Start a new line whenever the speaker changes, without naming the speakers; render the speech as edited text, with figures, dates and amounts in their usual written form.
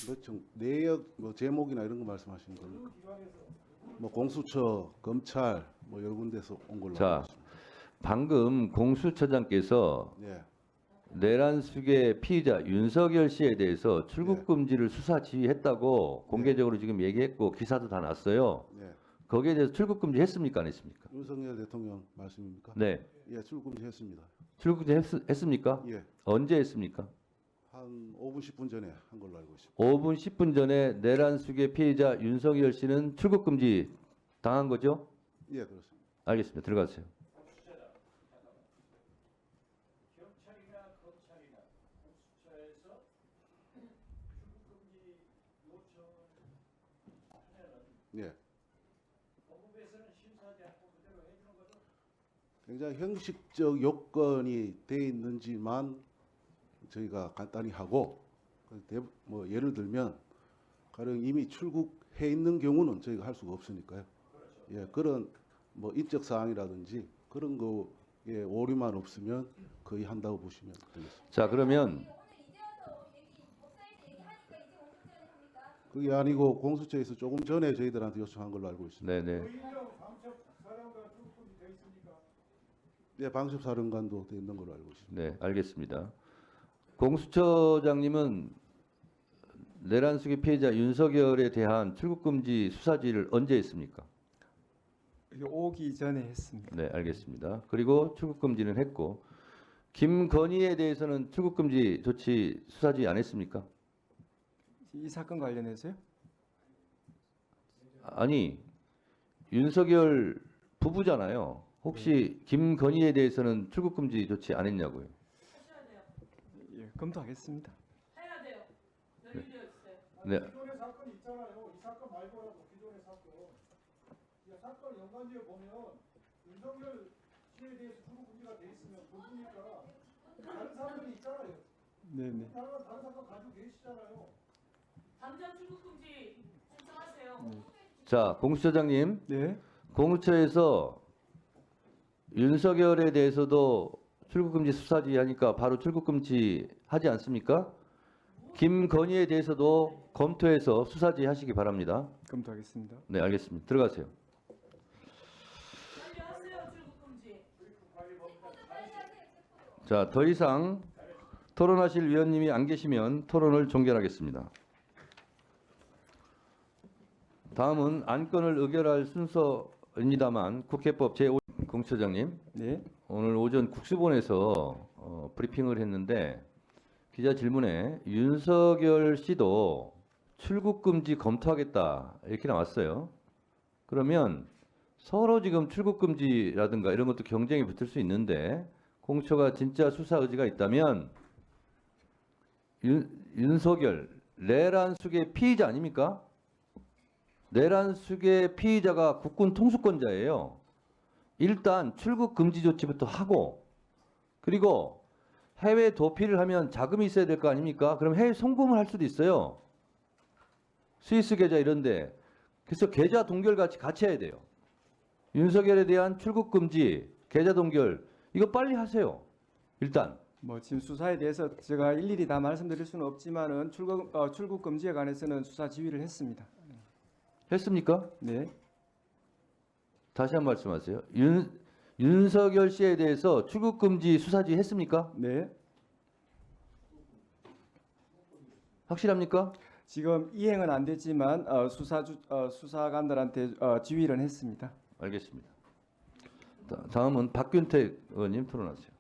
그렇죠. 내역 뭐 제목이나 이런 거 말씀하시는 겁니까? 뭐 공수처, 검찰 뭐 여러 군데서 온 걸로
자,
알고 있습니다.
방금 공수처장께서
예,
내란숙의 피의자 윤석열 씨에 대해서 출국 금지를 수사 지휘했다고 공개적으로 지금 얘기했고 기사도 다 났어요.
예.
거기에 대해서 출국 금지 했습니까? 안 했습니까?
윤석열 대통령 말씀입니까?
네.
예, 출금했습니다.
출국 금지 했습니까?
예,
언제 했습니까?
한 5분 10분 전에 한 걸로 알고 있습니다.
5분 10분 전에 내란숙의 피의자 윤석열 씨는 출국 금지 당한 거죠?
예, 그렇습니다.
알겠습니다. 들어가세요.
경찰이나 검찰이나 공수처에서 출국금지 요청하면은
예,
법무부에서는 심사하지 않고 그대로 해주는 거죠.
굉장히 형식적 요건이 돼 있는지만 저희가 간단히 하고 뭐 예를 들면 가령 이미 출국해 있는 경우는 저희가 할 수가 없으니까요. 예, 그런 뭐 인적 사항이라든지 그런 거에 오류만 없으면 거의 한다고 보시면 되겠습니다.
자, 그러면
그게 아니고 공수처에서 조금 전에 저희들한테 요청한 걸로 알고 있습니다.
네네.
의령 방첩사령관 출국금지 돼 있습니까?
예, 방첩사령관도 돼 있는 걸로 알고 있습니다.
네, 알겠습니다. 공수처장님은 내란숙의 피해자 윤석열에 대한 출국금지 수사지를 언제 했습니까?
여기 오기 전에 했습니다.
네, 알겠습니다. 그리고 출국금지는 했고 김건희에 대해서는 출국금지 조치 수사지 안 했습니까?
이 사건 관련해서요?
아니, 윤석열 부부잖아요. 혹시 김건희에 대해서는 출국금지 조치 안 했냐고요?
하셔야 돼요.
예, 검토하겠습니다.
해야 돼요. 연루되어 있어요.
네.
기존의 사건이 있잖아요. 이 사건 말고라도 기존의 사건. 이 사건 연관지에 보면 윤석열 씨에 대해서 출국금지가 돼 있으면 그분이니까 다른 사건이 있잖아요.
네네.
다른 사건 가지고 계시잖아요.
당장 출국금지 신청하세요.
자, 공수처장님,
네.
공수처에서 윤석열에 대해서도 출국금지 수사지 하니까 바로 출국금지 하지 않습니까? 김건희에 대해서도 검토해서 수사지 하시기 바랍니다.
검토하겠습니다.
네, 알겠습니다. 들어가세요.
빨리 하세요. 출국금지.
자, 더 이상 토론하실 위원님이 안 계시면 토론을 종결하겠습니다. 다음은 안건을 의결할 순서입니다만 국회법 제5 공수처장님,
네.
오늘 오전 국수본에서 브리핑을 했는데 기자 질문에 윤석열 씨도 출국금지 검토하겠다 이렇게 나왔어요. 그러면 서로 지금 출국금지라든가 이런 것도 경쟁이 붙을 수 있는데 공처가 진짜 수사 의지가 있다면 윤석열 내란숙의 피의자 아닙니까? 내란숙의 피의자가 국군 통수권자예요. 일단 출국 금지 조치부터 하고 그리고 해외 도피를 하면 자금이 있어야 될 거 아닙니까? 그럼 해외 송금을 할 수도 있어요. 스위스 계좌 이런데. 그래서 계좌 동결 같이 해야 돼요. 윤석열에 대한 출국 금지, 계좌 동결 이거 빨리 하세요. 일단.
뭐 지금 수사에 대해서 제가 일일이 다 말씀드릴 수는 없지만은 출국 금지에 관해서는 수사 지휘를 했습니다.
했습니까?
네.
다시 한 번 말씀하세요. 윤석열 씨에 대해서 출국 금지 수사지 했습니까?
네.
확실합니까?
지금 이행은 안 됐지만 수사관들한테 지휘를 했습니다.
알겠습니다. 다음은 박균택 의원님 토론하세요.